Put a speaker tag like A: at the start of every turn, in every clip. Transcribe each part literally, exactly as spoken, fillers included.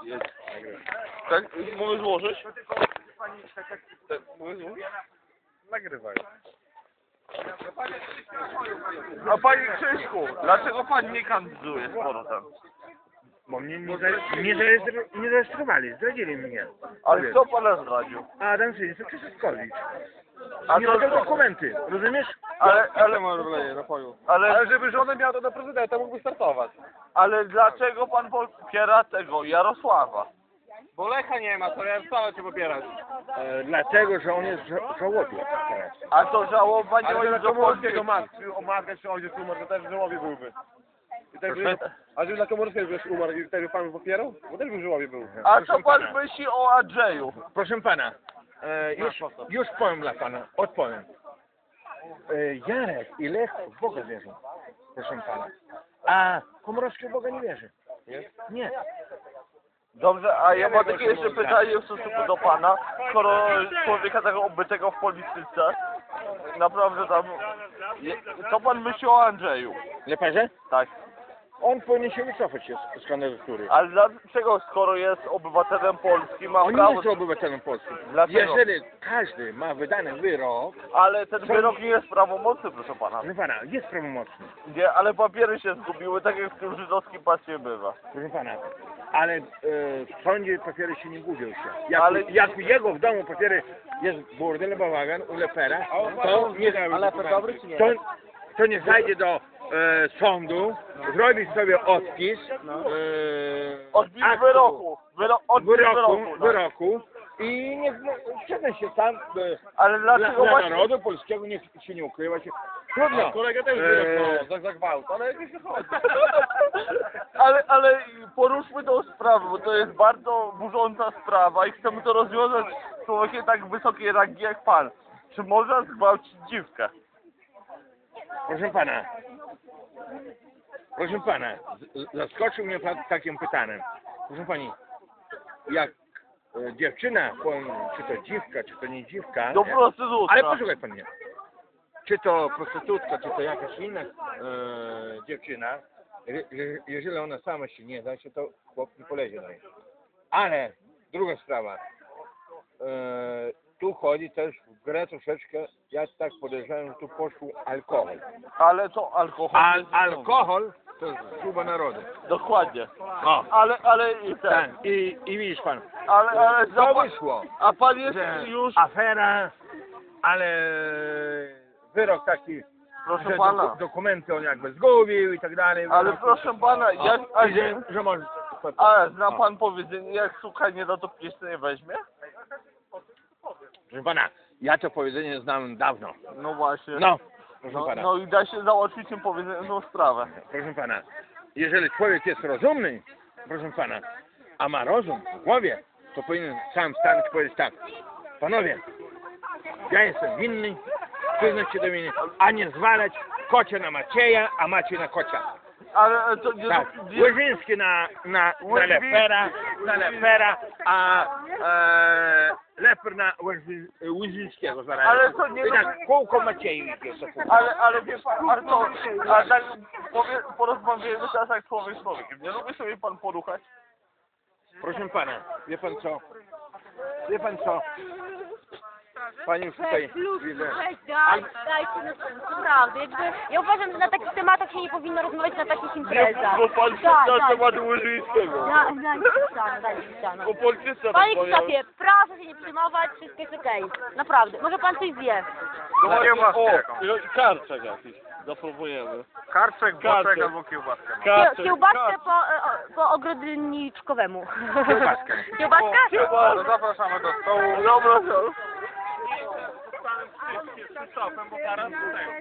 A: Jest. Tak, mogę złożyć? Tak, mogę złożyć?
B: Nagrywaj.
A: A panie Krzyśku, dlaczego pan nie kandyduje z powrotem?
B: Bo mnie nie, za, nie, zaregistro, nie zarejestrowali, zdradzili mnie.
A: Ale
B: Powiedz.
A: kto pana zdradził?
B: Adam Synis, Krzysztoskowicz.
A: A
B: Nie
A: to
B: robią
A: co?
B: dokumenty, rozumiesz?
A: Ale, ale,
B: wleje napoju.
A: ale,
B: Ale żeby żonę miał, to na prezydenta mógłby startować.
A: ale dlaczego pan popiera tego Jarosława?
B: Bo Lecha nie ma, to Jarosława cię popierać. E, dlatego, że on jest ża żałobie teraz.
A: A to żałoba nie
B: Ale
A: może
B: na
A: do
B: Komorowskiego
A: Polski.
B: matki, o matkę czy ojciec umarł, to też w żałobie byłby. I tak
A: Proszę?
B: by, a żeby na Komorowskiego też umarł i wtedy pan popierał? Bo też by w żałobie był.
A: A co pan myśli o Andrzeju?
B: Proszę pana, e, już, już powiem dla pana, odpowiem. E, Jarek i Lech w Boga wierzą, proszę pana. A Komorowski w Boga nie wierzy. Nie.
A: Dobrze, a ja mam takie jeszcze pytanie w stosunku do pana. Skoro człowieka tego obytego w polityce, naprawdę tam... je- Co pan myśli o Andrzeju?
B: Leparze?
A: Tak.
B: On powinien się wycofać z kandydatury.
A: Ale dlaczego, skoro jest obywatelem Polski, ma
B: On nie
A: prawo...
B: jest obywatelem polskim.
A: Dlaczego?
B: Jeżeli każdy ma wydany wyrok,
A: Ale ten wyrok nie jest prawomocny, proszę pana.
B: proszę pana, jest prawomocny,
A: Nie, ale papiery się zgubiły, tak jak w tym żydowskim pasie bywa.
B: proszę pana, ale e, w sądzie papiery się nie gubią się. Jak,
A: Ale-
B: jak u jego w domu papiery jest burdel, bałagan, u Lepera, to nie,
A: Ale Leper dobry czy nie?
B: to, to nie zajdzie do e, sądu, zrobi sobie odpis e,
A: Odbić
B: aktu,
A: wyroku. Wyro... Odbić
B: wyroku,
A: wyroku. tak.
B: wyroku i niech no, siedem się tam e,
A: Ale
B: dla,
A: dlaczego
B: dla
A: właśnie...
B: narodu polskiego niech się nie ukrywa się. Trudno.
A: Kolega też
B: e,
A: za, za gwałt, ale nie chodzi. ale, ale poruszmy tą sprawę, bo to jest bardzo burząca sprawa i chcemy to rozwiązać z człowiekiem tak wysokiej rangi jak pan. Czy można zgwałcić dziwkę?
B: Proszę pana, proszę pana, z- z- zaskoczył mnie pan takim pytaniem. Proszę pani, jak e, dziewczyna, powiem, czy to dziwka, czy to nie dziwka,
A: Do prostytutka.
B: ale posłuchaj pan mnie, czy to prostytutka, czy to jakaś inna e, dziewczyna, je, je, jeżeli ona sama się nie da, się to chłop nie polezie na niej. Ale druga sprawa, e, tu chodzi też w grę troszeczkę, ja tak podejrzewam, że tu poszło alkohol.
A: Ale to alkohol...
B: Al,
A: jest-
B: alkohol to jest zguba narodu.
A: Dokładnie.
B: O,
A: Ale, ale i ten...
B: tak. I, I widzisz pan,
A: Ale, ale...
B: to
A: za-
B: wyszło,
A: A pan jest
B: że
A: już...
B: afera, ale wyrok taki,
A: Proszę
B: że
A: pana.
B: doku, dokumenty on jakby zgubił i tak dalej.
A: Ale proszę pana,
B: O,
A: jak... A,
B: i że, że może...
A: a zna
B: O.
A: pan powiedzenie, jak suka nie da, to pies nie weźmie?
B: Proszę pana, ja to powiedzenie znam dawno.
A: No właśnie.
B: No, proszę
A: No,
B: pana,
A: no i da się załatwić tym powiedzeniem sprawę.
B: proszę pana, jeżeli człowiek jest rozumny, proszę pana, a ma rozum w głowie, to powinien sam stanąć i powiedzieć tak, panowie, ja jestem winny, przyznać się do winy, a nie zwalać kocia na Macieja, a Maciej na kocia.
A: Ale to nie...
B: Tak,
A: nie
B: Łyżyński na, na, na
A: Łyży-
B: Lepera, na Lepera, a e, Leper na Łyży- Łyżyńskiego zaraz.
A: Ale to nie-
B: I tak, kółko Macieju idzie. to kółko.
A: ale, ale wie pan, ale to... A tak powie, porozmawiamy teraz jak człowiek z człowiekiem. Nie lubi sobie pan poruchać?
B: Proszę pana, wie pan co? Wie pan co? Pani już tutaj widzę.
C: Weź, daj, dajcie na sens, naprawdę. Jakby, ja uważam, że na takich tematach się nie powinno rozmawiać na takich imprezach.
A: Bo pan się
C: Tak,
A: na
C: tak.
A: temat Łyżyńskiego.
C: Daj, daj, ścianę, daj ścianę.
A: O polityce
C: Panie
A: rozmawiamy.
C: Krzysztofie, proszę się nie przejmować, wszystko jest okej. Naprawdę, może pan coś zje.
A: No właśnie, o, karczek jakiś. Zapróbujemy.
B: Karczek,
A: boczek
B: albo kiełbaskę.
C: Kie- Kiełbaskę po, e, o- po ogrodniczkowemu.
B: Kiełbaskę.
C: Kiełbaskę?
A: Chyba...
B: Zapraszamy do stołu.
A: Dobra, to...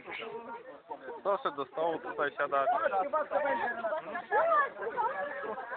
B: Proszę do stołu, tutaj siadać.